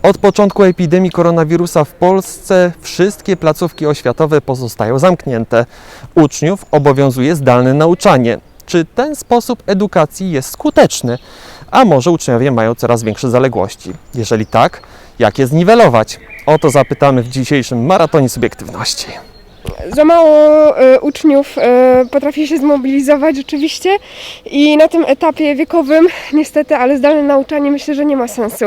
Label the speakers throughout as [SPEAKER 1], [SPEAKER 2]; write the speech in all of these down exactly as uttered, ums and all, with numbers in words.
[SPEAKER 1] Od początku epidemii koronawirusa w Polsce wszystkie placówki oświatowe pozostają zamknięte. Uczniów obowiązuje zdalne nauczanie. Czy ten sposób edukacji jest skuteczny? A może uczniowie mają coraz większe zaległości? Jeżeli tak, jak je zniwelować? O to zapytamy w dzisiejszym Maratonie Subiektywności.
[SPEAKER 2] Za mało e, uczniów e, potrafi się zmobilizować rzeczywiście i na tym etapie wiekowym niestety, ale zdalne nauczanie myślę, że nie ma sensu.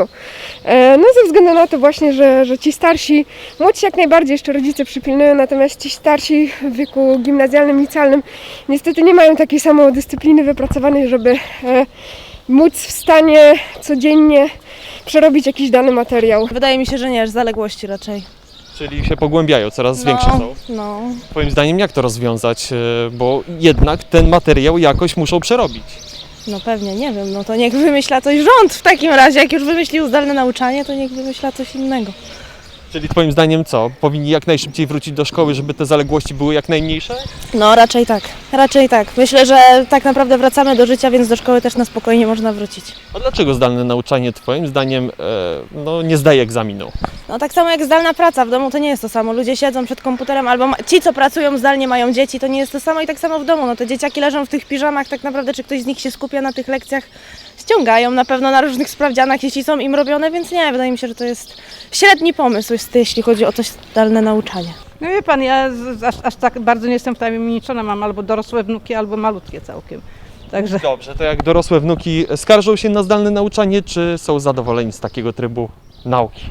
[SPEAKER 2] E, no ze względu na to właśnie, że, że ci starsi, młodsi jak najbardziej jeszcze rodzice przypilnują, natomiast ci starsi w wieku gimnazjalnym, licealnym niestety nie mają takiej samodyscypliny wypracowanej, żeby e, móc w stanie codziennie przerobić jakiś dany materiał.
[SPEAKER 3] Wydaje mi się, że nie, że zaległości raczej.
[SPEAKER 1] Czyli się pogłębiają, coraz
[SPEAKER 3] No,
[SPEAKER 1] większe są.
[SPEAKER 3] no.
[SPEAKER 1] Twoim zdaniem jak to rozwiązać? E, Bo jednak ten materiał jakoś muszą przerobić.
[SPEAKER 3] No pewnie, nie wiem, no to niech wymyśla coś rząd w takim razie, jak już wymyślił zdalne nauczanie, to niech wymyśla coś innego.
[SPEAKER 1] Czyli twoim zdaniem co? Powinni jak najszybciej wrócić do szkoły, żeby te zaległości były jak najmniejsze?
[SPEAKER 3] No raczej tak, raczej tak. Myślę, że tak naprawdę wracamy do życia, więc do szkoły też na spokojnie można wrócić.
[SPEAKER 1] A dlaczego zdalne nauczanie twoim zdaniem e, no, nie zdaje egzaminu?
[SPEAKER 3] No tak samo jak zdalna praca, w domu to nie jest to samo. Ludzie siedzą przed komputerem, albo ma... ci, co pracują zdalnie, mają dzieci, to nie jest to samo i tak samo w domu. No te dzieciaki leżą w tych piżamach, tak naprawdę czy ktoś z nich się skupia na tych lekcjach, ściągają na pewno na różnych sprawdzianach, jeśli są im robione, więc nie, wydaje mi się, że to jest średni pomysł, jeśli chodzi o to zdalne nauczanie.
[SPEAKER 4] No wie pan, ja z- aż, aż tak bardzo nie jestem wtajemniczona, mam albo dorosłe wnuki, albo malutkie całkiem. Także
[SPEAKER 1] Dobrze, to jak dorosłe wnuki skarżą się na zdalne nauczanie, czy są zadowoleni z takiego trybu nauki?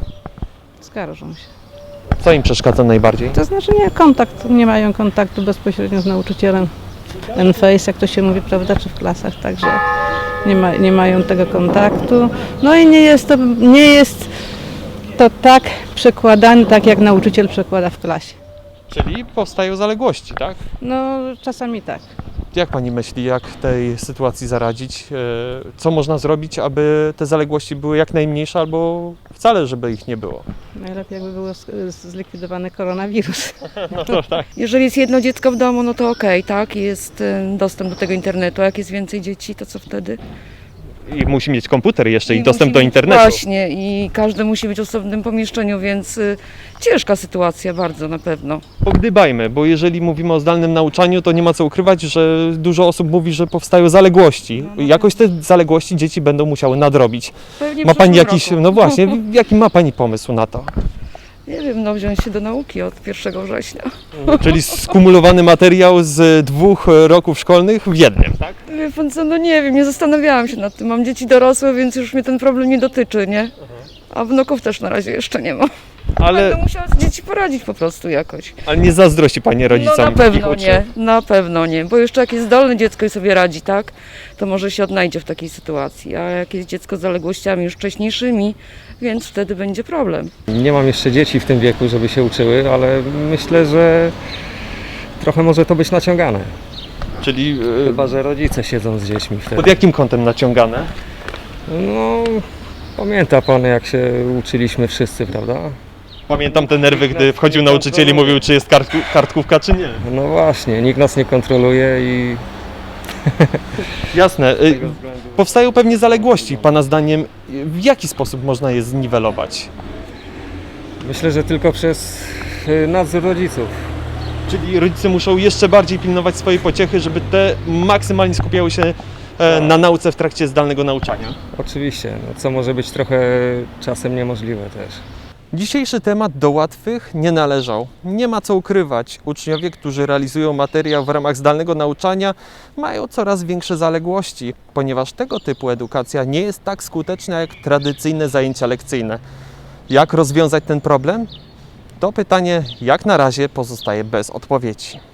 [SPEAKER 4] skarżą się.
[SPEAKER 1] Co im przeszkadza najbardziej?
[SPEAKER 4] To znaczy nie kontakt, nie mają kontaktu bezpośrednio z nauczycielem. Ten face, jak to się mówi, prawda, czy w klasach, także nie, ma, nie mają tego kontaktu. No i nie jest to, nie jest to tak przekładane, tak jak nauczyciel przekłada w klasie.
[SPEAKER 1] Czyli powstają zaległości, tak?
[SPEAKER 4] No czasami tak.
[SPEAKER 1] Jak pani myśli, jak tej sytuacji zaradzić? E, Co można zrobić, aby te zaległości były jak najmniejsze, albo wcale, żeby ich nie było?
[SPEAKER 4] Najlepiej jakby był sk- zlikwidowany koronawirus.
[SPEAKER 1] No to tak.
[SPEAKER 5] Jeżeli jest jedno dziecko w domu, no to okej, tak, jest e, dostęp do tego internetu, a jak jest więcej dzieci, to co wtedy?
[SPEAKER 1] I musi mieć komputer jeszcze i,
[SPEAKER 5] I
[SPEAKER 1] dostęp
[SPEAKER 5] musi
[SPEAKER 1] do
[SPEAKER 5] mieć-
[SPEAKER 1] internetu.
[SPEAKER 5] Właśnie, i każdy musi być w osobnym pomieszczeniu, więc y, ciężka sytuacja bardzo na pewno.
[SPEAKER 1] Pogdybajmy, bo jeżeli mówimy o zdalnym nauczaniu, to nie ma co ukrywać, że dużo osób mówi, że powstają zaległości. Jakoś te zaległości dzieci będą musiały nadrobić.
[SPEAKER 5] Pewnie w
[SPEAKER 1] Ma pani
[SPEAKER 5] przyszłym
[SPEAKER 1] jakiś,
[SPEAKER 5] roku.
[SPEAKER 1] no właśnie, jaki ma pani pomysł na to?
[SPEAKER 5] Nie wiem, no wziąć się do nauki od pierwszego września.
[SPEAKER 1] Czyli skumulowany materiał z dwóch roków szkolnych w jednym, tak?
[SPEAKER 5] Wie pan co, no nie wiem, nie zastanawiałam się nad tym. Mam dzieci dorosłe, więc już mnie ten problem nie dotyczy, nie? A wnuków też na razie jeszcze nie ma.
[SPEAKER 1] Ale,
[SPEAKER 5] Będę musiała z dzieci poradzić po prostu jakoś.
[SPEAKER 1] ale nie zazdrości pani rodzicom.
[SPEAKER 5] No na
[SPEAKER 1] ich
[SPEAKER 5] pewno
[SPEAKER 1] uczniów.
[SPEAKER 5] nie, na pewno nie, bo jeszcze jak jest zdolne dziecko i sobie radzi, tak, to może się odnajdzie w takiej sytuacji, a jak jest dziecko z zaległościami już wcześniejszymi, więc wtedy będzie problem.
[SPEAKER 6] Nie mam jeszcze dzieci w tym wieku, żeby się uczyły, ale myślę, że trochę może to być naciągane.
[SPEAKER 1] Czyli e,
[SPEAKER 6] Chyba że rodzice siedzą z dziećmi
[SPEAKER 1] pod
[SPEAKER 6] wtedy.
[SPEAKER 1] jakim kątem naciągane?
[SPEAKER 6] No, pamięta pan, jak się uczyliśmy wszyscy, prawda?
[SPEAKER 1] Pamiętam te nerwy, gdy wchodził nauczyciel i mówił, czy jest kartku, kartkówka, czy nie.
[SPEAKER 6] No właśnie, nikt nas nie kontroluje i
[SPEAKER 1] Jasne.
[SPEAKER 6] z
[SPEAKER 1] y,
[SPEAKER 6] tego względu...
[SPEAKER 1] Powstają pewnie zaległości. Pana zdaniem, w jaki sposób można je zniwelować?
[SPEAKER 6] Myślę, że tylko przez y, nadzór rodziców.
[SPEAKER 1] Czyli rodzice muszą jeszcze bardziej pilnować swojej pociechy, żeby te maksymalnie skupiały się e, na nauce w trakcie zdalnego nauczania.
[SPEAKER 6] Oczywiście, no, co może być trochę czasem niemożliwe też.
[SPEAKER 1] Dzisiejszy temat do łatwych nie należał. Nie ma co ukrywać. Uczniowie, którzy realizują materiał w ramach zdalnego nauczania, mają coraz większe zaległości, ponieważ tego typu edukacja nie jest tak skuteczna jak tradycyjne zajęcia lekcyjne. Jak rozwiązać ten problem? To pytanie jak na razie pozostaje bez odpowiedzi.